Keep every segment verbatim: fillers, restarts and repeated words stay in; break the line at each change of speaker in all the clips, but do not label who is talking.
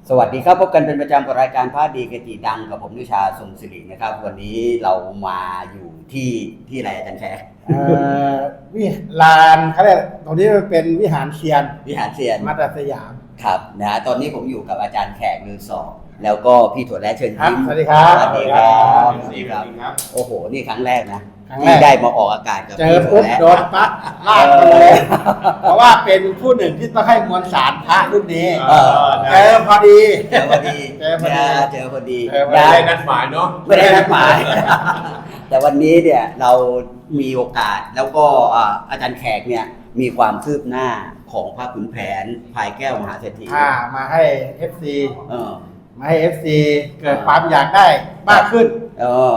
สวัสดีครับพบกันเป็นประจำกับรายการพระดีเกจิดังกับผมนิชาทรงศิรินะครับวันนี้เรามาอยู่ที่ที่อะไรอาจารย์แขก
วิลานเขาเรียกตรงนี้มันเป็นวิหารเซียน
วิหารเซียน
มัตตสยาม
ครับนะตอนนี้ผมอยู่กับอาจารย์แขกลือสอบแล้วก็พี่ถั่วแระเชิญยิ้ม
สวัสดีครับ
สวัสดีครับสวัสดีครับโอ้โหนี่ครั้งแรกนะที่ได้มาออกอากาศกับ
เจอปุ๊บโดนปั๊บลากมาเลยเพราะว่าเป็นผู้หนึ่งที่ต้องให้มวลสารพระรุ่นนี้เจอพอดี
เจอพอดี
เจอพอดี
เจอพอดี
ไม่ได้นัดหมายเนาะ
ไม่ได้นัดหมายแต่วันนี้เนี่ยเรามีโอกาสแล้วก็อาจารย์แขกเนี่ยมีความคืบหน้าของพระขุนแผนพายแก้วมหาเศรษฐี
มาให้ เอฟ ซี
เออ
มาให้ เอฟ ซี เกิดความอยากได้มากขึ้น
เออ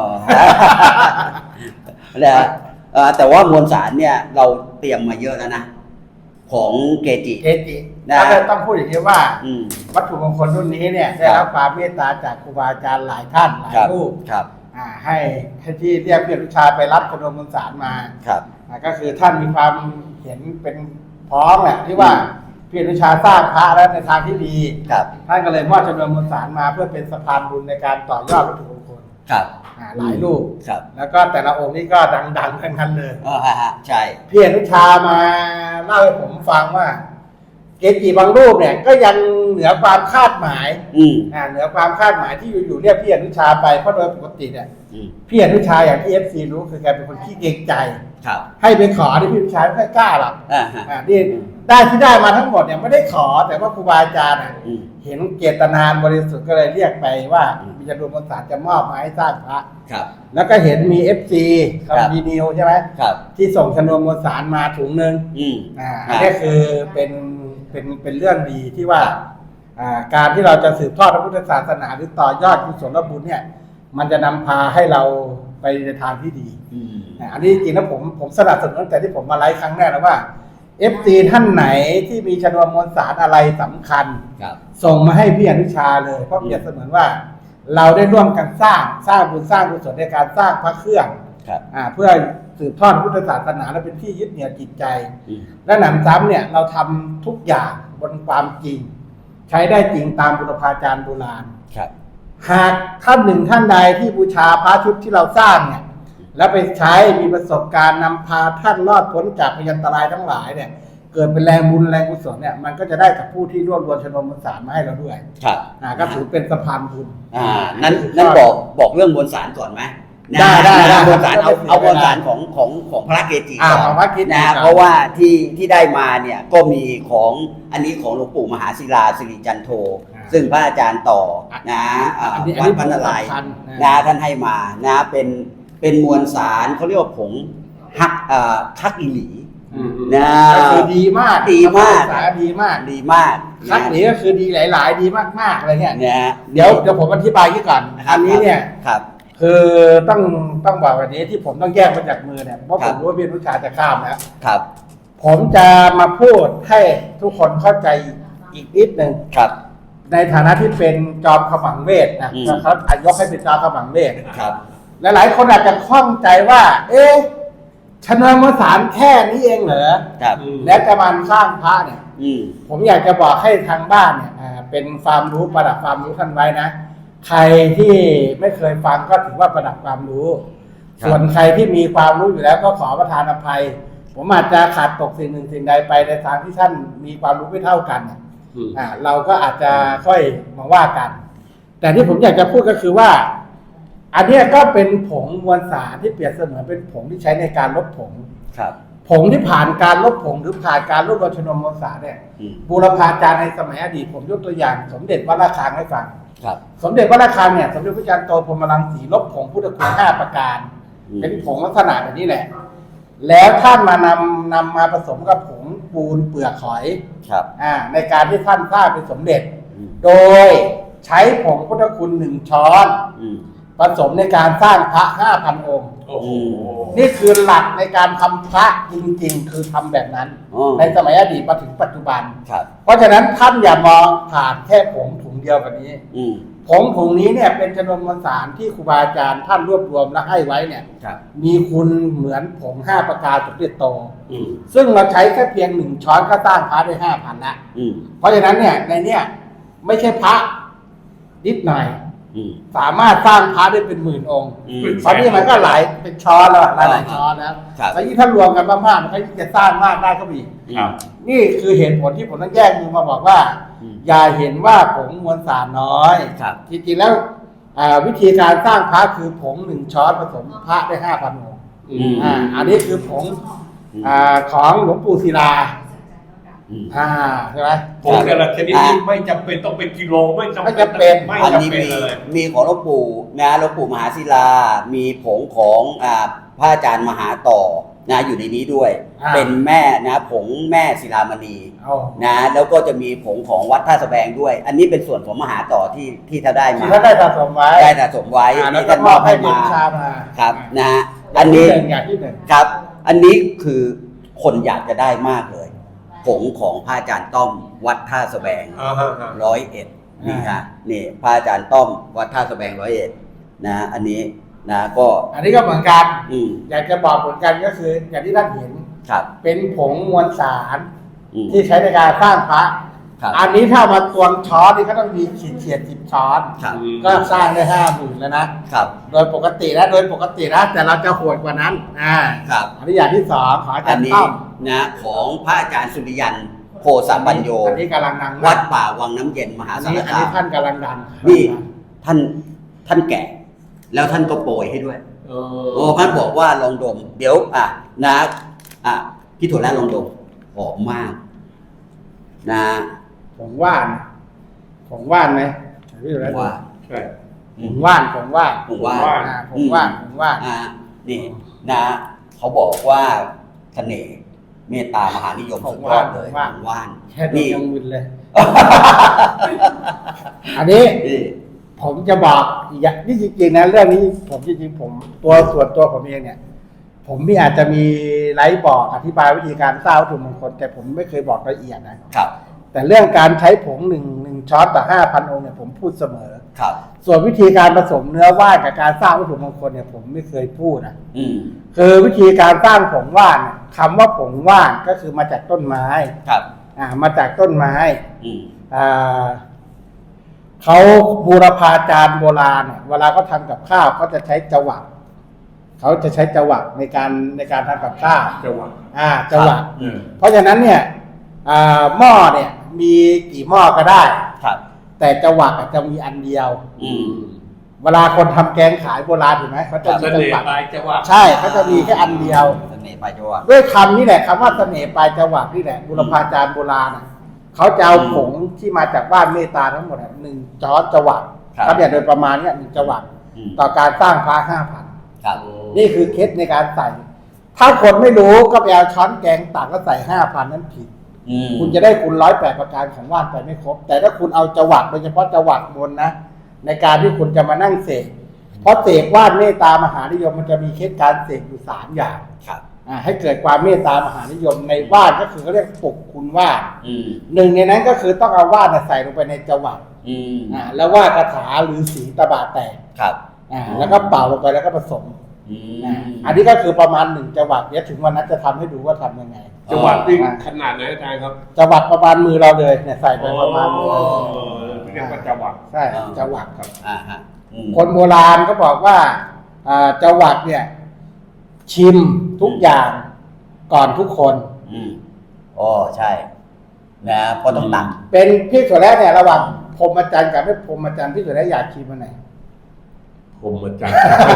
นะแต่ว่ามวลสารเนี่ยเราเตรียมมาเยอะแล้วนะของเกจิ
เกจินะต้องพูดอย่างนี้ว่าวัตถุมงคลรุ่นนี้เนี่ยได้รับความเมตตาจากครูบาอาจารย์หลายท่านหลายรูปให้ให้ที่เรียกเพื่อนวิชาไปรับชนวนมวลสารมาก็คือท่านมีความเห็นเป็นพร้อมแหละที่ว่าเพื่อนวิชาสร้างพระแล้วในทางที่ดีท่านก็เลยมอบชนวนมวลสารมาเพื่อเป็นสะพานบุญในการต่อยอดวัตถุมงคลหลายรูปแล้วก็แต่ละองค์นี่ก็ดังๆทั้งนั้นเลย
อ๋อฮะใช่
เพียรวิชามาเล่าให้ผมฟังว่าเกจิบางรูปเนี่ยก็ยังเหนือความคาดหมายอ่าเหนือความคาดหมายที่อยู่ๆเรียกเพียรวิชาไปเพราะโดยปกติเนี่ยเพียรวิชาอย่างที่ เอฟ ซี รู้คือแกเป็นคนขี้เกรงใจให้ไปขอที่พี่วิชาไม่ค่อยกล้าหรอกอ่านี่ได้ที่ได้มาทั้งหมดเนี่ยไม่ได้ขอแต่ว่าครูบาอาจารย์เห็นเจตนาบริสุทธิ์ก็เลยเรียกไปว่ามีจำนวนมวลสารจะมอบมาให้สร้างพระแล้วก็เห็นมี เอฟ ซี คำดีนิวใช่ไหมที่ส่งจำนวนมวลสารมาถุงหนึ่งอ่าอันนี้คือเป็นเป็นเป็นเรื่องดีที่ว่าการที่เราจะสืบทอดพระพุทธศาสนาหรือต่อยอดกุศลบุญเนี่ยมันจะนำพาให้เราไปในทางที่ดีอันนี้จริงๆแล้วผมผมสนับสนุนตั้งแต่ที่ผมมาไลฟ์ครั้งแรกแล้วว่า เอฟ ซี ท่านไหนที่มีชนวนมวลสารอะไรสำคัญส่งมาให้พี่อนุชาเลยเพราะเปรียบเสมือนว่าเราได้ร่วมกันสร้างสร้างบุญสร้างกุศลในการสร้างพระเครื่องเพื่อสืบทอดพุทธศาสนาและเป็นที่ยึดเหนี่ยวจิตใจและหนำซ้ำเนี่ยเราทำทุกอย่างบนความจริงใช้ได้จริงตามบุรพาจารย์โบราณหากท่านหนึ่งท่านใดที่บูชาพระชุดที่เราสร้างเนี่ยแล้วไปใช้มีประสบการณ์นำพาท่านรอดพ้นจากพยันตรายทั้งหลายเนี่ยเกิดเป็นแรงบุญแรงกุศลเนี่ยมันก็จะได้กับผู้ที่ร่วมรวมชนวนมวลสารมาให้เราด้วย
ครับ
อ่าก็ถือเป็นสะพานบุญ
อ่านั้นนั้นบอกบอกเรื่องมวลสารก่อนไหม
ได้ได้
มวลสารเอาเอามวลสารของของของพระเกจิ
ก่อน
นะเพราะว่าที่ที่ได้มาเนี่ยก็มีของอันนี้ของหลวงปู่มหาศิลาสิริจันโทซึ่งพระอาจารย์ต่อนะวัดพันนารายณ์นะท่านให้มานะเป็นเป็นมวลสารเขาเรียกว่าผงฮักทักอิหลี
นะก็คือดีมาก
ดีมาก
สารดีมาก
ดีมาก
ทักอิหลีก็คือดีหลายๆดีมากๆอะไรเนี่ยเดี๋ยวเดี๋ยวผมอธิบายก่อนอันนี้เนี่ยคือต้องต้องบอกแบบนี้ที่ผมต้องแยกมาจากมือเนี่ยเพราะผมรู้ว่าพี่นุชาจะข้ามแล้ว
ครับ
ผมจะมาพูดให้ทุกคนเข้าใจอีกนิดหนึ่ง
ครับ
ในฐานะที่เป็นจอมขมังเวทนะเขาอายกให้เป็นจอมขมังเวท
ครับ
หลายๆคนอาจจะข้องใจว่าเอ๊ะชนวนมวลสารแค่นี้เองเหรอแล้วจะมาสร้างพระเนี่ยผมอยากจะบอกให้ทางบ้านเนี่ยเป็นความรู้ประดับความรู้ท่านไว้นะใครที่ไม่เคยฟังก็ถือว่าประดับความรู้ส่วนใครที่มีความรู้อยู่แล้วก็ขอประทานอภัยผมอาจจะขาดตกสิ่งหนึ่งสิ่งใดไปในทางที่ท่านมีความรู้ไม่เท่ากันอ่าเราก็อาจจะค่อยมาว่ากันแต่ที่ผมอยากจะพูดก็คือว่าอันนี้ก็เป็นผงมวลสารที่เปรียบเสมือนเป็นผงที่ใช้ในการลบผง
ครับ
ผงที่ผ่านการลบผงหรือผ่านการลบรวมชนวนมวลสารเนี่ยบูรพาจารย์ในสมัยอดีตผมยกตัวอย่างสมเด็จวัดระฆังให้ฟังสมเด็จวัดระฆังเนี่ยสมเด็จพระจันทร์โตพรหมรังสีลบผงพุทธคุณห้าประการเป็นผงลักษณะแบบนี้แหละแล้วท่านมานำนำมาผสมกับผงปูนเปลือกหอยอ่าในการที่ท่านสร้างเป็นสมเด็จโดยใช้ผงพุทธคุณหนึ่งช้อนผสมในการสร้างพระห้าพันองค์นี่คือหลักในการทำพระจริงๆคือทำแบบนั้นในสมัยอดีตมาถึงปัจจุบันเพราะฉะนั้นท่านอย่ามองผ่านแค่ผงถุงเดียวกันนี้ผงถุงนี้เนี่ยเป็นจำนวนมวลสารที่ครูบาอาจารย์ท่านรวบรวมและให้ไว้เนี่ยมีคุณเหมือนผงห้าประการสมเด็จโตซึ่งเราใช้แค่เพียงหนึ่งช้อนก็สร้างพระได้ห้าพันละเพราะฉะนั้นเนี่ยในเนี้ยไม่ใช่พระนิดหน่อย
อืม
สามารถสร้างพระได้เป็นหมื่นองค์
อืม
ตอนนี้มันก็หลายเป็นช้อนแล้วหลายหลายช้อนแล้ว
ครับ
แล้วยิ่งถ้ารวมกันมากๆมันก็ยิ่งจะสร้างมากได้ก็มี
ครับ
นี่คือเหตุผลที่ผมต้องแยกมือมาบอกว่า
อืม
อย่าเห็นว่าผงมวลสารน้อย
ครับ
จริงๆแล้วอ่าวิธีการสร้างพระคือผงหนึ่งช้อนผสมพระได้ห้าพันองค์
อืม
อ่าอันนี้คือผง
อืม
อ่าของหลวงปู่ศิลา
อืม
อ่าใช่ไหม
ผงแต่ละชนิดนี้ไม่จำเป็นต้องเป็นกิโลไม่จำ
ไม่จำเป็น
ไม่
อัน
จำ
นี้
เป็น
มี
เลย
มีของหลวงปู่นะหลวงปู่มหาศิลา มีผงของอ่าพระอาจารย์มหาต่อนะอยู่ในนี้ด้วย
อ่า
เป็นแม่นะผงแม่ศิลามณี
เอา
นะแล้วก็จะมีผงของวัดท่าสะแบงด้วย อันนี้เป็นส่วนของมหาต่อที่ที่ท่านได้มา
ที่ท่านได้สะสมไว้
ได้สะสมไว้
อ่าแล้ว
ที่
ก็
ท่าน
ม
ม
อ
อ
บบ ให้
ให้
เรียน
มา
วิชามา
ครับนะ
อั
อั
น
น
นี้
นี้
หนึ่งอย่างที่หนึ่ง
ครับ อันนี้คือคนอยากจะได้มากเลย ผงของพระอาจารย์ต้อมวัดท่าสะแบง
อ่าฮะฮะ
ร้อยเอ็ดนี่ฮะนี่พระอาจารย์ต้อมวัดท่าสะแบงร้อยเอ็ดนะ อันนี้นะก็
อันนี้ก็เหมือนกัน
อืม
อยากจะบอกเหมือนกันก็คืออย่างที่ท่านเห็น
ครับ
เป็นผงมวลสาร
อืม
ที่ใช้ในการสร้างพระ
ครับ
อันนี้ถ้ามาตวงช้อนนี่ก็ต้องมีขีดเฉียดสิบช้อน
ครับ
ก็สร้างได้ห้าหมื่นแล้วนะ
ครับ
โดยปกตินะโดยปกตินะแต่เราจะโหดกว่านั้นอ่า
ครับ
อันนี้อย่างที่สองขออาจา
อั
ร
น
ย์
นี้
ต้อม
นะของพระอาจารย์สุริยันโพสปัญโย
อันนี้กำลังดัง
วัดป่าวังน้ำเย็นมหา
อัน
สา
นี้
ร
อัน
คา
นี้
ม
ท่านกำลังดัง
นี่ท่านท่านแก่ แล้วท่านก็โปรยให้ด้วย
เอ
โอ้ท่านบอกว่าลองดม เดี๋ยวอ่ะนะอ่ะพี่ถั่วแระลองดมหอมมาก นะ
ผงว่านผงว่านไหมพี่ดูแล
ว่า
ใช่
ผงว่านผงว่าน
ผมว่า
อ่าผงว่านผงว่าน
อ่ะนี่นะเขาบอกว่าเสน่ห์เมตตามหานิยมสุดยอดเลยของว่าน
แค่ดู
นี่
ยังมึนเลย อันนี้
นี่
ผมจะบอกอีกอย่างนี่จริงๆนะเรื่องนี้ผมจริงๆผมตัวส่วนตัวผมเองเนี่ย ผมมีอาจจะมีไลฟ์บอกอธิบายวิธีการสร้างวัตถุมงคลแต่ผมไม่เคยบอกละเอียดนะครับ แต่เรื่องการใช้ผงหนึ่งหนึ่งช้อนต่อห้าพันองค์เนี่ยผมพูดเสมอ
ครับ
ส่วนวิธีการผสมเนื้อว่านกับการสร้างวัตถุมงคลเนี่ยผมไม่เคยพูดนะ
อืม
คือวิธีการสร้างผงว่านเนี่ยคำว่าผงว่านก็คือมาจากต้นไม้
ครับ
อ่ามาจากต้นไม้
อืม
อ่าเขาบูรพาจารย์โบราณเนี่ยเวลาเขาทำกับข้าวเขาจะใช้จวักเขาจะใช้จวักในการในการทำกับข้าว
จังหวะ
อ่าจวัก
อืม
เพราะฉะนั้นเนี่ยอ่าหม้อเนี่ยมีกี่หม้อก็ได้
ครับ
แต่จวักอาจจะมีอันเดียว
อืม
เวลาคนทำแกงขายโบราณถูกไหมเขาจะ
เส
มีจ
น่ห์
วัก
ปลายจังหวะ
ใช่เขาจะมีแค่อันเดียว
เสน่ห์ปลายจวัก
ด้วยคำนี้แหละคำว่าเสน่ห์ปลายจวักนี่แหละบุรพาจารย์โบราณน่ะเขาจะเอาผงที่มาจากบ้านเมตตาทั้งหมดอ่ะหนึ่งช้อนจวัก
ครับ
เขาเนี่ยโดยประมาณเนี่ยหนึ่งจวัก
อืม
ต่อการสร้างพระห้าพัน
ครับ
นี่คือเคล็ดในการใส่ ถ้าคนไม่รู้ก็ไปเอาช้อนแกงตักก็ใส่ห้าพันนั้นผิด
อืม
คุณจะได้คุณร้อยแปดประการของว่านไปไม่ครบ แต่ถ้าคุณเอาจวักโดยเฉพาะจวักมนต์นะ ในการที่คุณจะมานั่งเสกเพราะเสกว่านเมตตามหานิยมมันจะมีเคล็ดการเสกอยู่สามอย่าง
ครับ
อ่าให้เกิดความเมตตามหานิยมในว่านก็คือเขาเรียกปลุกคุณว่าน
อืม
หนึ่งในนั้นก็คือต้องเอาว่านน่ะใส่ลงไปในจวัก
อืม
อ่าแล้วว่าคาถาหรือสีตะบะแตก
ครับ
อ่าแล้วก็เป่าลงไปแล้วก็ผสม
อื
อ่าม อันนี้ก็คือประมาณหนึ่งจวักเดี๋ยวถึงวันนั้นจะทำให้ดูว่าทำยังไง
จังหวะนี่ขนาดไหนอาจารย์ครับ
จวักประมาณมือเราเลยเนี่ยใส่ไปประมาณมือ
โอ้
เรา
เรียกว่าจังหวะ
ใช่จวักครับ
อ่าฮะอืม
คนโบราณก็บอกว่าอ่าจวักเนี่ย ชิมทุกอย่างก่อนทุกคน
อืมอ๋อใช่ นะเพราะต้องตัก
เป็นพี่ถั่วแระเนี่ยระหว่างพรหมจรรย์กับไม่พรหมจรรย์พี่ถั่วแระอยากชิมอันไหน
ผมมาจัง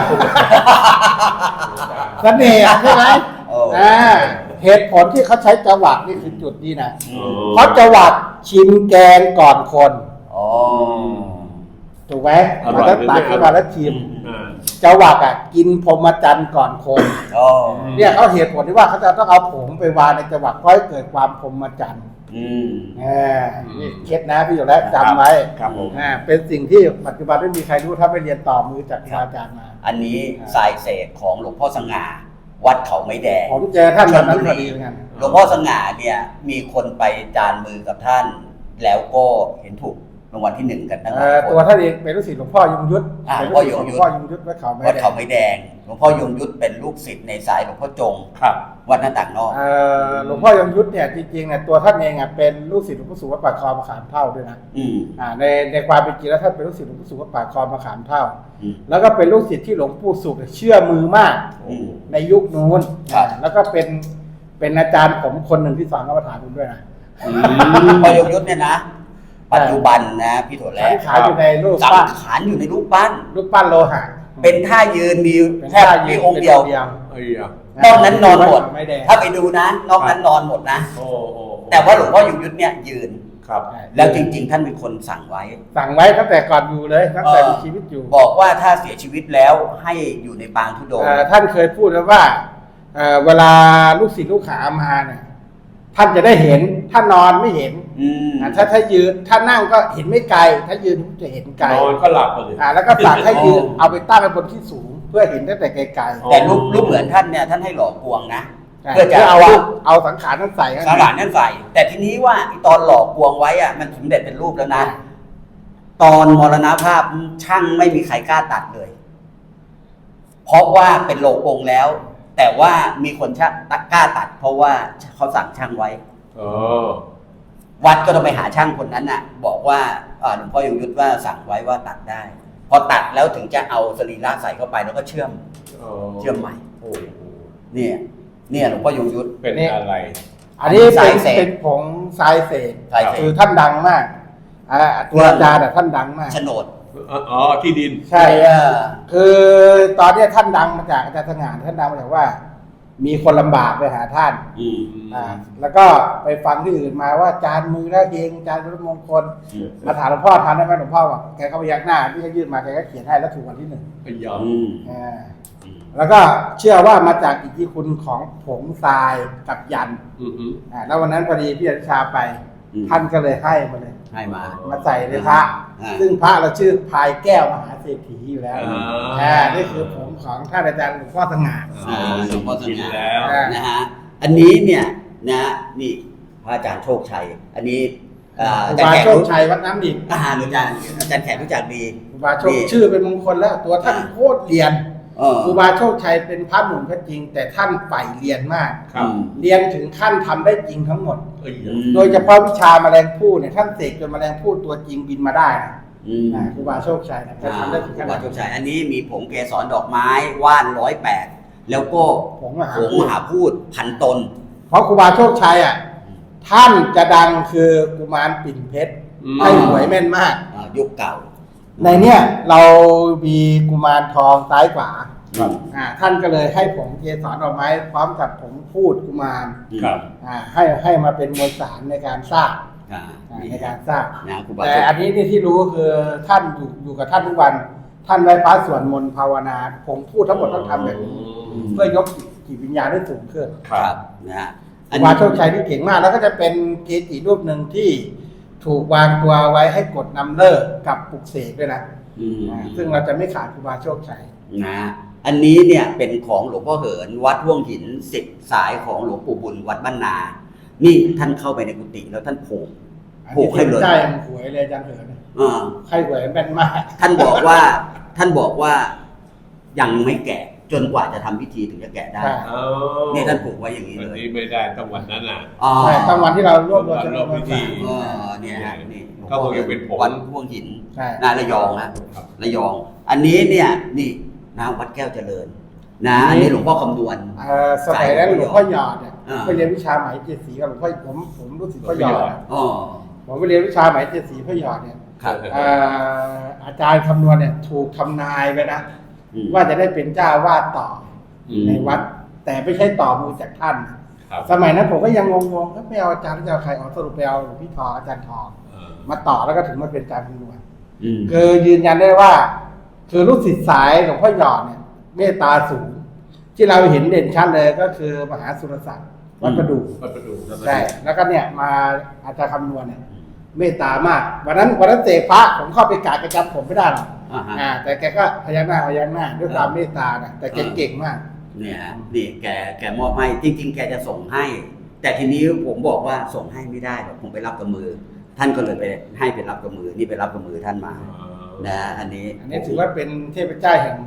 เสน่ห์ใช่ไหม
โอ้
อ่าเหตุผลที่เขาใช้จวักนี่คือจุดนี้นะ
อืม
เพราะจวักชิมแกงก่อนคน
อ๋อ
ถูกไหมมันต้องตักขึ้นมาแล้วชิม
อ่า
จวักอ่ะกินพรหมจรรย์ก่อนคน
อ๋อ
เนี่ยเขาเหตุผลที่ว่าเขาจะต้องเอาผงไปวางในจวักเพื่อให้เกิดความพรหมจรรย์
อืม
อ่านี่เคล็ดนะพี่อยู่แล้วจำไว้
ครับผม
อ่าเป็นสิ่งที่ปัจจุบันไม่มีใครรู้ถ้าไม่เรียนต่อมือจากครูอาจารย์มา
อันนี้สายเศษของหลวงพ่อสง่า วัดเขาไม้แดง
ผมเจอท่านวันนั้นพอดีเหมือนกัน
หลวงพ่อสง่าเนี่ย มีคนไปจานมือกับท่าน แล้วก็เห็นถูกรางวัลที่หนึ่งกันทั้งห
เอ่
ลาย
อ
ค
ตัวน ท่านเองเป็นลูกศิษย์หลวงพ่อยงยุทธ
อ่า
เป็น
หลวงพ่
ลู
อก
ศิษย์
ยงยุทธ
หลวงพ่อยงยุทธวัดเขาไม้
วัด
แด
เขา
ง
ไม้แดงลวงพ่อยงยุทธเป็นลูกศิษย์ในสายหลวงพ่อจง
ครับ
วัดหน้าต่างนอก
เอ่อหลวงพ่อยงยุทธเนี่ยจริงๆเนี่ยตัวท่านเองอ่ะเป็นลูกศิษย์หลวงพ่อสุวัดปากคลองมะขามเท่าด้วยนะ
อืม
อ่าในในความเป็นจริงแล้วท่านเป็นลูกศิษย์หลวงพ่อสุวัดปากคลองมะขามเท่า
อืม
แล้วก็เป็นลูกศิษย์ที่หลวงปู่สุขเชื่อมือมาก
อืม
ในยุคนู้น
ครับ
อ่าแล้วก็เป็นเป็นอาจารย์ผมคนหนึ่งที่สอนกรรมฐานผมด้วยนะ
อืมหลวงพ่อยงยุทธเนี่ยนะปัจจุบันนะพี่ถั่วแล้
สังขารอยู่ในรูป
สั
ปั้
ง
น
ขารอยู่ในรูปปั้น
รูปปั้นโลหะ
เป็นท่ายืนมี
เป็น
แค่
ท่า
มี
ยืน
องค์เดียว
เป็น
ไอ้ยะ
นอกนั้นนอนหมด
ไม่แดง
ถ้าไปดูนะ นอกนั้นนอนหมดนะ
โอ้โอ้
แต่ว่าหลวงพ่อยงยุทธเนี่ยยืน
ครับ
แล้วจริง ๆ ท่านเป็นคนสั่งไว้
สั่งไว้ตั้งแต่ก่อนอยู่เลยตั้งแต่มีชีวิตอยู่
บอกว่าถ้าเสียชีวิตแล้วให้อยู่ในปางธุดงค์
เอ่อท่านเคยพูดไว้ว่าเอ่อเวลาลูกศิษย์ลูกหามาเนี่ยท่านจะได้เห็นถ้านอนไม่เห็น
อืม
อ่าถ้าถ้ายืนถ้านั่งก็เห็นไม่ไกล ถ้ายืนจะเห็นไกล
นอนก็หลับไปเลย
อ่าแล้วก็สั่งให้ยืนเอาไปตั้งไว้บนที่สูง เพื่อเห็นตั้งแต่ไกล
อ๋อ
แต่รูปรูปเหมือนท่านเนี่ยท่านให้หล่อกวงนะ
ๆ
เพื่อจะ
เอา
ว่า
เอาสังขารนั้นใส่ข้าง
ส
ใน
ลานนั่นใส่แต่ทีนี้ว่าไอ้ตอนหล่อกวงไว้อะมันสมเด็จเป็นรูปแล้วนะ ตอนมรณภาพช่างไม่มีใครกล้าตัดเลย เพราะว่าเป็นโลองค์แล้ว แต่ว่ามีคนช่างกล้าตัด เพราะว่าเขาสั่งช่างไว้
อ๋อ
วัดก็ต้องไปหาช่างคนนั้นน่ะ บอกว่าเอ่อหลวงพ่อยงยุทธว่าสั่งไว้ว่าตัดได้ พอตัดแล้วถึงจะเอาสรีระใส่เข้าไปแล้วก็เชื่อม
อ๋อ
เชื่อมใหม่
โอ้โห
เนี่ยเนี่ยหลวงพ่อยงยุทธ
เป็นอะไร
อันนี้
สา
เป็
ย
น
เสก
เป็นผงทรายเศษ
ทรายเสก
คือท่านดังมากอ่าตัวอาจารย์อะท่านดังมาก
โฉนด
อ๋อที่ดิน
ใช่
เออ
คือตอนเนี้ยท่านดังมาจากอาจารย์สง่าท่านดังมาจากว่า มีคนลำบากไปหาท่าน
อืม
อ่าแล้วก็ไปฟังที่อื่นมาว่าจานมือแล้วเองจานรถมงคล มาถามหลวงพ่อทานได้ไหมหลวงพ่อบอกแกก็พยักหน้าที่เขายื่นมาแกก็เขียนให้แล้วถูกวันที่หนึ่ง
ไอ้ยะ
อืม
อ่าแล้วก็เชื่อว่ามาจากอิทธิคุณของผงทรายกับยัน
อือฮึ
อ่าแล้ววันนั้นพอดีพี่อนุชาไป ท่านก็เลยให้มาเลย
ให้มา
มาใส่ในพระ
อ่า
ซึ่งพระเราชื่อพายแก้วมหาเศรษฐีอยู่แล้ว
อ่า
อ่านี่คือผงของท่านอาจารย์หลวงพ่อสง่า
อ่าหลวงพ่อส
กิน
ง่า
แล้ว
อ่า
นะฮะ อันนี้เนี่ยนะนี่พระอาจารย์โชคชัย อันนี้อ่า
ครู
อาจาร
บา
ย์แขก
โชคชัยวัดน้ำดิบ
อาหารอาจารย์อาจารย์แขกรู้จักดี
ครูบาโชคชื่อเป็นมงคลแล้วตัวท่านโคตรเรียน
เออ
ครูบาโชคชัยเป็นพระหนุ่มก็จริง แต่ท่านใฝ่เรียนมาก
ครับ
เรียนถึงขั้นทำได้จริงทั้งหมด
ไอ้ยะ
โดยเฉพาะวิชาแมลงภู่เนี่ยท่านเสกจนแมลงภู่ตัวจริงบินมาได้นะ
อืม
อ่าครูบาโชคชัยนะจะ
อ่า
ทำได้ถึง
ค
ข
รู
นา
บา
ด
โช
นั้น
คชัย อันนี้มีผงเกสรดอกไม้ว่านร้อยแปดแล้วก็
ผงมหา
ผง
พู
ม
ด
หาพูดพันตน
เพราะครูบาโชคชัยอ่ะท่านจะดังคือกุมารปิ่นเพชร
อืม
ให้หวยแม่นมาก
อ่ายุคเก่า
ในเนี้ยเรามีกุมารทองซ้ายขวา
ครับ
อ่าท่านก็เลยให้ผงเกสรดอกไม้พร้อมกับผงพูดกุมาร
ครับ
อ่าให้ให้มาเป็นมวลสารในการสร้าง
อ่า
อ่า
นี่
ในการสร้าง
นะครูบา
แต่
โชค
อันนี้ที่ที่รู้คือท่านอยู่อยู่กับท่านทุกวัน ท่านไหว้พระสวดมนต์ภาวนาผมพูดทั้งหมดต้องทำแบบนี้
อืม
เพื่อยกจิตวิญญาณให้สูงขึ้น
ครับนะฮะ
ครูบาโชคชัยที่เก่งมาก แล้วก็จะเป็นเกจิรูปหนึ่งที่ถูกวางตัวไว้ให้กดนำเลิกกับปลุกเสกด้วยนะ
อืม
อ่าซึ่งเราจะไม่ขาดครูบาโชคชัย
นะอันนี้เนี่ยเป็นของหลวงพ่อเหิน วัดห่วงหินสิบสายของหลวงปู่บุญวัดบ้านนา นี่ท่านเข้าไปในกุฏิแล้วท่านผูก
อัน
ผู
นี้
กให้
เท
เล
พ
ย
เจ้ายังหวยเลยอาจารย์เหิน
อ่า
ใครหวยแม่นมาก
ท่านบอกว่าท่านบอกว่ายังไม่แกะจนกว่าจะทำพิธีถึงจะแกะได้
ใช่
อ๋อ
นี่ท่านผูกไว้อย่างนี้
วัน
เลย
นี้ไม่ได้ต้องวันนั้นน่ะ
อ๋อ
ใช่ตั้งวันที่เรารวบรวม
วัน
จำน
ร
ว
วน บ
มว
พิ
ล
ธี
สาร
อ๋อเนี่ยฮะนี่หลวง
ก็
พ่อ
คงจะเป็นผง
วัดห่วงหิน
ใช่
นาระยองนะครับ ระยอง อันนี้เนี่ยนี่นะวัดแก้วเจริญ นะอันนี้หลวงพ่อคำนวณ
เอ่อสมัยนั้นหลวงพ่อหยอดเนี่ย
อ่า
ไปเรียนวิชาไหมเจ็ดสีกับหลวงพ่อผมผมรู้สึกพ่อหยอดอะ
อ๋อ
ผมไปเรียนวิชาไหมเจ็ดสีพ่อหยอดเนี่ย
ครับ
เอ่ออาจารย์คำนวณเนี่ยถูกทำนายไปนะ
อืม
ว่าจะได้เป็นเจ้าวาดต่ออ
ม
ในวัด แต่ไม่ใช่ต่อมือจากท่าน
ครับ
สมัยนั้นผมก็ยังงงๆก็ไม่เอาอาจารย์แล้วจะเอาใครเอาสรุปไปเอาหลวงพี่ทองอาจารย์ทอง
เออ
มาต่อแล้วก็ถึงมาเป็นอาจารย์คำนวณ
อืม
คือยืนยันได้ว่า คือลูกศิษย์สายหลวงพ่อหยอดเนี่ยเมตตาสูง ที่เราเห็นเด่นชัดเลยก็คือมหาสุรศักดิ์วัดประดู่
วัดประดู่
ใช่แล้วก็เนี่ยมาอาจารย์คำนวณเนี่ยเมตตามากวันนั้นวันนั้นเสกพระผมเข้าไปกราบแกจำผมไม่ได้หรอก
อ่าฮะ
อ่า แต่แกก็พยักหน้าพยักหน้าด้วยความเมตตานะแต่แกเก่งมาก
เนี่ยฮะนี่แกแกมอบให้จริง ๆ แกจะส่งให้ แต่ทีนี้ผมบอกว่าส่งให้ไม่ได้หรอกผมไปรับกับมือ ท่านก็เลยไปให้ไปรับกับมือ นี่ไปรับกับมือท่านมา
อ๋อ
นะอันนี้
อันนี้ถือว่าเป็นเทพเจ้าแห่ง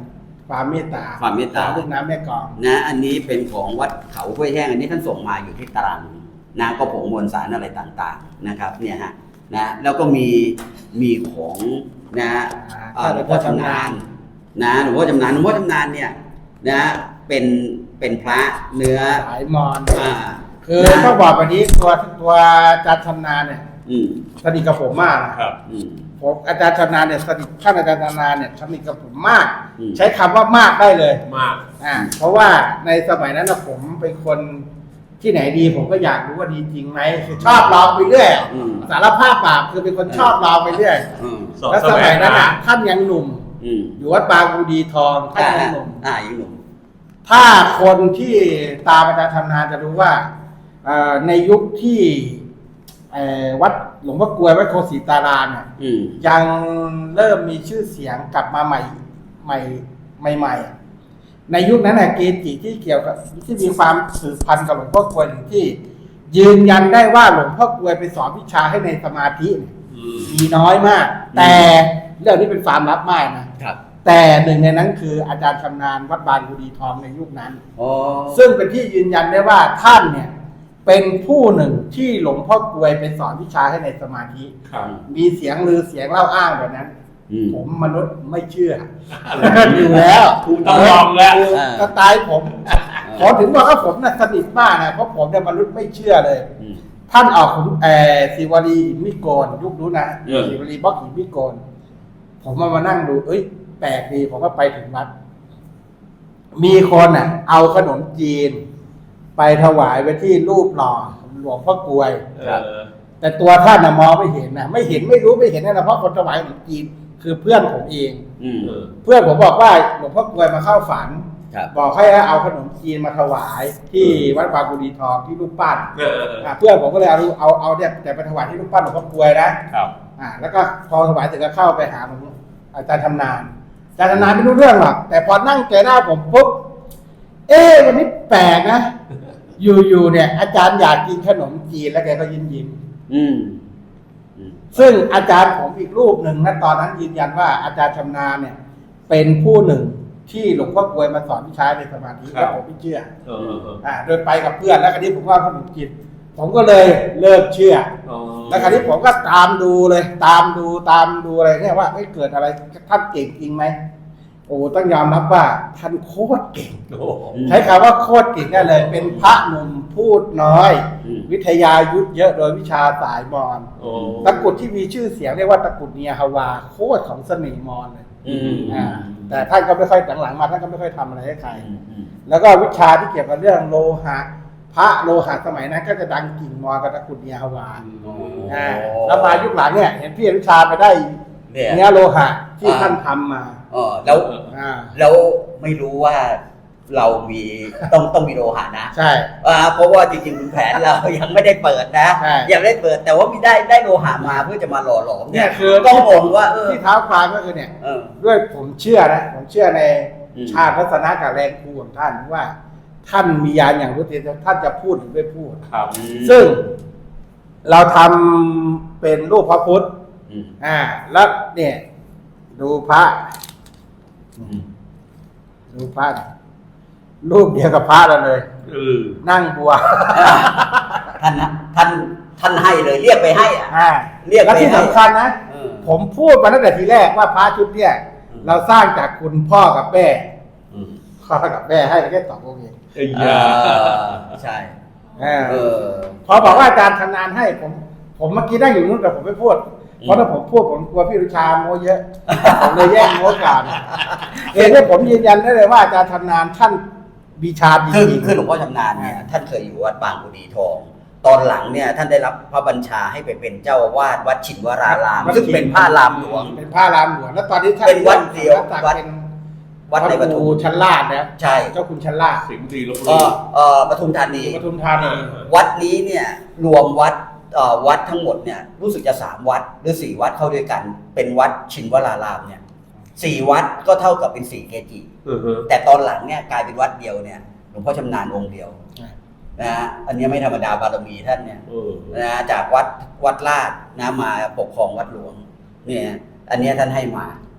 ความเมตตา
ความเมตตา
เรื่องน้ำแม่กลอง
นะอันนี้เป็นของวัดเขาห้วยแห้งอันนี้ท่านส่งมาอยู่ที่ตรังนะก็ผงมวลสารอะไรต่างๆนะครับเนี่ยฮะนะแล้วก็มีมีของนะเอ่อหลวงพ่อชำนาญนะหลวงพ่อชำนาญหลวงพ่อชำนาญเนี่ยนะเป็นเป็นพระเนื้อ
สายมอญ
อ่า
คือ
นะ
ต้องบอกแบบนี้ตัวตัวอาจารย์ชำนาญเนี่ย
อืม
สนิทกับผมมากนะครับ
อืม
ผมอาจารย์ชำนาญเนี่ยสนิทท่านอาจารย์ชำนาญเนี่ยสนิทกับผมมาก
อืม
ใช้คำว่ามากได้เลย
มาก
อ่าเพราะว่าในสมัยนั้นนะผมเป็นคนที่ไหนดีผมก็อยากรู้ว่าดีจริงไหมคือชอบลองไปเรื่อย
อืม
สารภาพบาปคือเป็นคนชอบลองไปเรื่อย
อืม
สอบ
แล้ว
แส
ส
ว
มัย
ง
นั้น
หา
น่ะท่านยังหนุ่ม
อืม
อยู่วัดบางกูดีทองท่าน
อ่า
ยังหนุ่ม
อ่ายังหนุ่ม
ถ้าคนที่ตามอาจารย์ชำนาญจะรู้ว่าเอ่อในยุคที่เอ่อวัดหลวงพ่อกลวยวัดโคศิตารามเนี่ย
อืม
ยังเริ่มมีชื่อเสียงกลับมาใหม่ใหม่ใหม่ๆอ่ะในยุคนั้นน่ะเกจิที่เกี่ยวกับที่มีความสืบพันธุ์กับหลวงพ่อกลวยหรือที่ ยืนยันได้ว่าหลวงพ่อกลวยไปสอนวิชาให้ในสมาธิเนี่ย
อืม
มีน้อยมาก แต่เรื่องนี้เป็นความลับมากนะครับ แต่หนึ่งในนั้นคืออาจารย์ชำนาญวัดบางกุดีทองในยุคนั้น
อ๋อ
ซึ่งเป็นที่ยืนยันได้ว่าท่านเนี่ยเป็นผู้หนึ่งที่หลวงพ่อกลวยไปสอนวิชาให้ในสมาธิ
ครับ
มีเสียงลือเสียงเล่าอ้างแบบนั้น
อืม
ผมมนุษย์ไม่เชื่ออยู่แล้ว
ต้องลองแล้ว
อ่า
สไตล์ผมขอถึงบอกว่าผมน่ะสนิทมากนะเพราะผมเนี่ยมนุษย์ไม่เชื่อเลย
อืม
ท่านออกผมเออศิวลีหินมิโกนยุคนู้นนะ
เออ
ศิวลีบล็อกหินมิโกนผมมามานั่งดู เอ้ย แปลกดีผมก็ไปถึงวัด มีคนอ่ะ เอาขนมจีน ไปถวายไว้ที่รูปหล่อหลวงพ่อกลวย
เอ
ครับ
อ
แต่ตัวท่านนะมองไม่เห็นนะไม่เห็นไม่รู้ไม่เห็นนะเพราะคนถวายขนมจีนคือเพื่อนผมเอง
อืม
เออ
เพื่อนผมบอกว่าหลวงพ่อกลวยมาเข้าฝัน
ครับ
บอกให้เอาขนมจีนมาถวายที่วัดบางกุดีทองที่รูปปั้น
เออเออ
อ่ะเพื่อนผมก็เลยเอาเอาเอาเนี่ยแต่ไปถวายที่รูปปั้นหลวงพ่อกลวยนะครับ อ่าแล้วก็พอถวายเสร็จก็เข้าไปหาผมอาจารย์ชำนาญอาจารย์ชำนาญไม่รู้เรื่องหรอกแต่พอนั่งเจอหน้าผมปุ๊บเอ๊ะวันนี้แปลกนะ อยู่ๆเนี่ย อาจารย์อยากกินขนมจีนแล้วแกก็ยิ้มยิ้ม
อืมอืม
ซึ่งอาจารย์ผมอีกรูปหนึ่งนะตอนนั้นยืนยันว่าอาจารย์ชำนาญเนี่ย เป็นผู้หนึ่งที่หลวงพ่อกลวยมาสอนวิชาในสมาธิแล้วผมไม่เชื่อ
เออเออเออ
อ่าโดยไปกับเพื่อนแล้วคราวนี้ผมว่าขนมจีนผมก็เลยเริ่มเชื่อ
อ๋อ
แล้วคราวนี้ผมก็ตามดูเลย ตามดูตามดูอะไรเนี่ยว่าเฮ้ยเกิดอะไรท่านเก่งจริงไหมโอ้ต้องยอมรับว่าท่านโคตรเก่ง
โอ้โห
ใช้คำว่าโคตรเก่งได้เลย เป็นพระหนุ่มพูดน้อย
อืม
วิทยายุทธเยอะโดยวิชาสายมอญ
โอ้
ตะกรุดที่มีชื่อเสียงเรียกว่าตะกรุดเนียฮาวาโคตรของเสน่ห์มอญเลย
อืม
อ่าแต่ท่านก็ไม่ค่อยหลังๆมาท่านก็ไม่ค่อยทำอะไรให้ใคร
อืมอืม
แล้วก็วิชาที่เกี่ยวกับเรื่องโลหะพระโลหะสมัยนั้นก็จะดังกิ่งมอญกับตะกรุดเนียฮาวา
โอ้
อ่าแล้วมายุคหลังเนี่ยเห็นพี่อนุชาไปได้
เนี่ย
เนื้อโลหะที่
อ่า
ท่านทำมา
เออแล้ว
อ่า
แล้วไม่รู้ว่าเรามีต้องต้องมีโลหะนะ
ใช่
อ่าเพราะว่าจริงๆคุณแผนเรายังไม่ได้เปิดนะ
ใช่
ยังไม่ได้เปิดแต่ว่ามีได้ได้โลหะมาเพื่อจะมาหล่อหลอม
เนี่ยคือ
ต้องบอกว่าเออ
ที่เท้าความก็คือเนี่ย
เออ
ด้วยผมเชื่อนะผมเชื่อใน
อืม
ชาติพัฒนากับแรงครูของท่านว่า ท่านมียานอย่างรู้เต็มท่านจะพูดหรือไม่พูด
ครับ
อืม
ซึ่งเราทำเป็นรูปพระพุทธ
อืม
อ่า แล้วเนี่ย ดูพระ
อืม
ดูพระรูปเดียวกับพระเราเลย
เออ
นั่งบัว
ท่านนะท่านท่านให้เลยเรียกไปให้อ่ะ
อ่า
เรียกไป
แล้วที่
ให้
สำคัญนะ
เออ
ผมพูดมาตั้งแต่ทีแรกว่าพระชุดเนี่ย
อืม
เราสร้างจากคุณพ่อกับแม่
อืม
พ่อกับแม่ให้แค่สององค์เอง
ไอ้
เอย
า
อใช่
อ่า
เออ
พอบอกว่าอาจารย์ทำงานให้ผม ผมเมื่อกี้นั่งอยู่นู้นแต่ผมไม่พูด เพราะถ้าผมพูดผมกลัวพี่รุชาโม้เยอะ ผมเลยแย่งโม้ก่อนเองเนี่ยผมยืนยันได้เลยว่าอาจารย์ทำงานท่านวิชาดี
คือ
จริง
คือหลวงพ่อชำนาญเนี่ยท่านเคยอยู่วัดบางกุดีทอง ตอนหลังเนี่ยท่านได้รับพระบัญชาให้ไปเป็นเจ้าอาวาสวัดฉินวราราม ซึ่งเป็นพระรามหลวง
เป็นพระรามหลวงแล้วตอนนี้ท่าน
เป็นวัดเดียว
ท่าน
วัด
เป็น
วัดในป
พระ
ทุ
ครู
ม
ชั้นลาดนะ
ใช่
เจ้าคุณชั้นลาด
สิงห์ดีลบบุ
เอ
รี
อเออปทุมธานี
ปทุมธานี
วัดนี้เนี่ยรวมวัดเอ่อวัดทั้งหมดเนี่ยรู้สึกจะสามวัดหรือสี่วัดเข้าด้วยกัน เป็นวัดชินวรารามเนี่ยสี่วัดก็เท่ากับเป็นสี่เกจิ
เออเออ
แต่ตอนหลังเนี่ยกลายเป็นวัดเดียวเนี่ยหลวงพ่อชำนาญองค์เดียวนะฮะอันนี้ไม่ธรรมดาบารมีท่านเนี่ย
เออ
นะจากวัดวัดลาดนะมาปกครองวัดหลวงเนี่ยอันเนี้ยท่านให้มา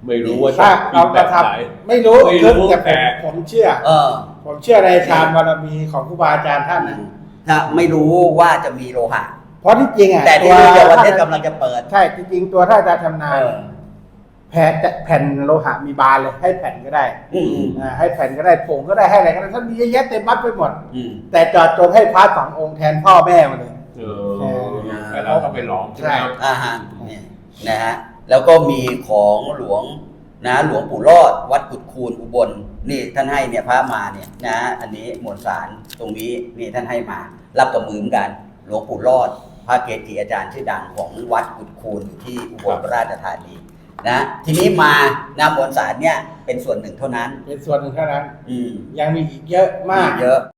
ไม่รู้ว่า
ถ้า
จะ
เรากระท
แบบไหน
ำไม่รู้
ไม่รู้
แต่
แต่
ผมเชื่อ
เออ
ผมเชื่อในฌานบารมีของครูบาอาจารย์ท่านนะ
ถ้าไม่รู้ว่าจะมีโลหะ
เพราะที่จริงอ่ะ
แต่ที่รู้เดี๋ยววันนี้กำลังจะเปิด
ใช่จริงๆตัวท่านอาจารย์ชำนาญ
เออ
แผ่นแผ่นโลหะมีบานเลยให้แผ่นก็ได้
อืมอืม
อ่าให้แผ่นก็ได้ผงก็ได้ให้อะไรก็ได้ท่านมีเยอะแยะเต็มวัดไปหมด
อืม
แต่จอดจงให้พระสององค์แทนพ่อแม่มาเลย
เออแล้วเราก็ไปหลอมใช่ไหมครับ
อ่าฮะนี่นะฮะแล้วก็มีของหลวงนะหลวงปู่รอด วัดกุดคูนอุบลนี่ท่านให้เนี่ยพระมาเนี่ยนะอันนี้มวลสารตรงนี้นี่ท่านให้มารับกับมือเหมือนกัน หลวงปู่รอด พระเกจิอาจารย์ชื่อดังของวัดกุดคูนอยู่ที่อุบลราชธานีนะทีนี้มานะมวลสารเนี่ยเป็นส่วนหนึ่งเท่านั้น
เป็นส่วนหนึ่งเท่านั้น
อืม
ยังมีอีกเยอะมาก
เยอะ